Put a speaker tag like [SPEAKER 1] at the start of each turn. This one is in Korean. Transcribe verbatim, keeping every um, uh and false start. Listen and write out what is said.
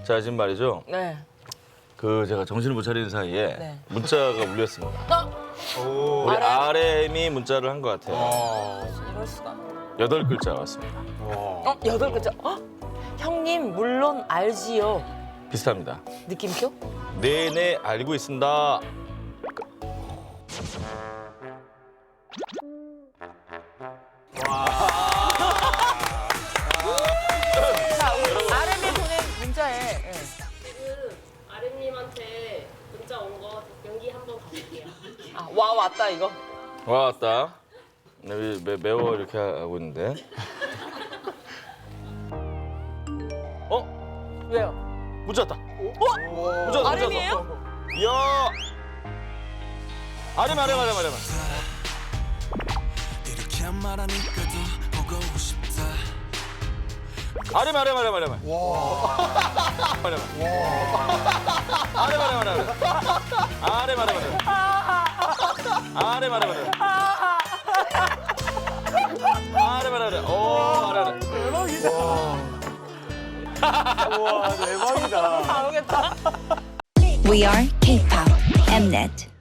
[SPEAKER 1] 자, 지금 말이죠.
[SPEAKER 2] 네.
[SPEAKER 1] 그 제가 정신을 못 차리는 사이에
[SPEAKER 2] 네.
[SPEAKER 1] 문자가 울렸습니다.
[SPEAKER 2] 어?
[SPEAKER 1] 우리
[SPEAKER 2] 아렘?
[SPEAKER 1] 아렘이 문자를 한 것 같아요.
[SPEAKER 2] 이럴 수가.
[SPEAKER 1] 여덟 글자 왔습니다.
[SPEAKER 2] 어? 여덟 글자. 어? 형님 물론 알지요.
[SPEAKER 1] 비슷합니다.
[SPEAKER 2] 느낌표?
[SPEAKER 1] 네네 알고 있습니다.
[SPEAKER 2] 자, 우리 아렘이 보낸 문자에. 예.
[SPEAKER 3] 지금 아랫님한테 문자 온 거 연기 한번 가볼게요.
[SPEAKER 2] 아, 와 왔다 이거.
[SPEAKER 1] 와 왔다. 네, 매, 매워 이렇게 하고 있는데. 어?
[SPEAKER 2] 왜요?
[SPEAKER 1] 문자 왔다.
[SPEAKER 2] 어?
[SPEAKER 1] 문자 왔다.
[SPEAKER 2] 아렘이에요?
[SPEAKER 1] 이야. 아렘 아렘 아렘 아렘.
[SPEAKER 4] 이렇게 말하니까 더 보고 싶다.
[SPEAKER 1] 아렘 아렘 아렘 아렘. 와. 아렘. 아렘 아렘 아렘. 아렘 아렘 아렘. 아렘 아렘 아렘. 아렘 아렘 아렘. 오 아렘.
[SPEAKER 2] 대박이다.
[SPEAKER 5] 와 대박이다.
[SPEAKER 2] 다 오겠다.
[SPEAKER 6] We are K-pop Mnet.